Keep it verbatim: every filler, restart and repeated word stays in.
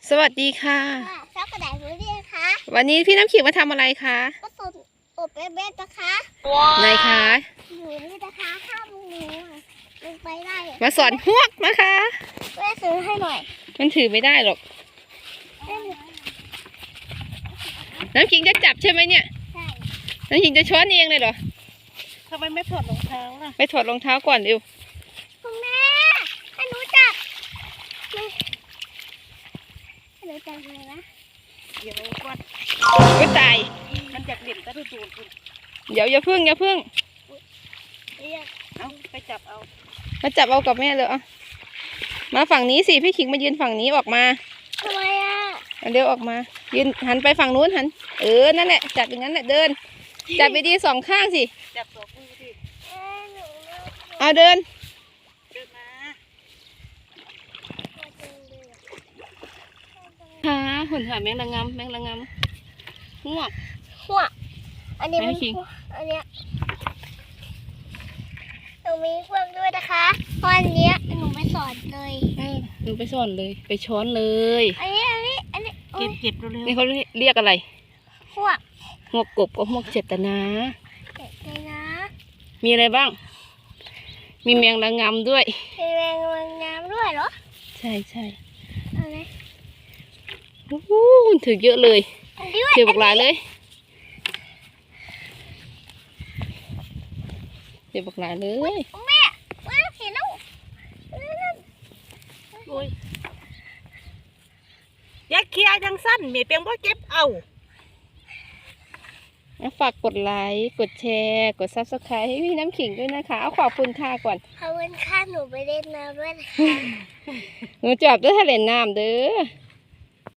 สวัสดีค่ะค่ะช็อกโกแลตบูรี่นะคะวันนี้พี่น้ำขิงมาทำอะไรคะก็สดอบเบ๊ะๆนะคะไหนคะอยู่นี่นะคะห้ามหนูลงไปได้มาสอนฮวกนะคะแม่ซื้อให้หน่อยมันถือไม่ได้หรอกแม่หนูน้ำขิงจะจับใช่ไหมเนี่ยใช่น้ำขิงจะช้อนเองเลยเหรอทำไมไม่ถอดรองเท้าล่ะไปถอดรองเท้าก่อนเร็วคุณแม่ให้หนูจับให้หนูจับเลยนะเดี๋ยวก่อนก็ตายมันจะเหลี่ยมตะดูดคุณเดี๋ยวอย่าพึ่งอย่าพึ่งเรียกเอาไปจับเอามาจับเอากับแม่เลยอ่ะมาฝั่งนี้สิพี่ขิงมายืนฝั่งนี้ออกมาทำไมอ่ะเอาเดี๋ยวออกมายืนหันไปฝั่งนู้นหันเออนั่นแหละจับอย่างนั้นแหละเดิน จับไปดีสองข้างสิจับตัวคู่สิเอ้ยหนูเลิกเอาเดินเดินมาค่ะหุ่นถ่ายแมงระงำแมงระงำฮวกหัวอันนี้มันแม่คิงอันเนี้ยหนูมีพวกด้วยนะคะเพราะอันเนี้ยหนูไม่สอนเลยเออหนูไปสอนเลยไปช้อนเลยอันนี้อันนี้อันนี้เก็บเก็บเร็วนี่เขาเรียกอะไรๆหัวหวกกบกับหวกเจตนาเก็บเลยนะมีอะไรบ้าง มีแมงระงำด้วยมีแมงวันน้ำด้วยเหรอใช่ใช่เอะไรโอ้โหถือเยอะเลยอันนี้ด้วยถือบักหลายเลยถือบักหลายเลยแม่ว้าวเห็นแล้วนั่นโอ้ยอยากเคลียร์จังสั้นเมียเปียงบ่เก็บเอาฝากกดไลค์กดแชร์กดซับสไครต์ให้พี่น้ำขิงด้วยนะคะเอาขอบคุณค่ะก่อนขอบคุณค่ะหนูไปเล่นน้ำด้วยนะคะหนูจับด้วยทะเลน้ำเด้อ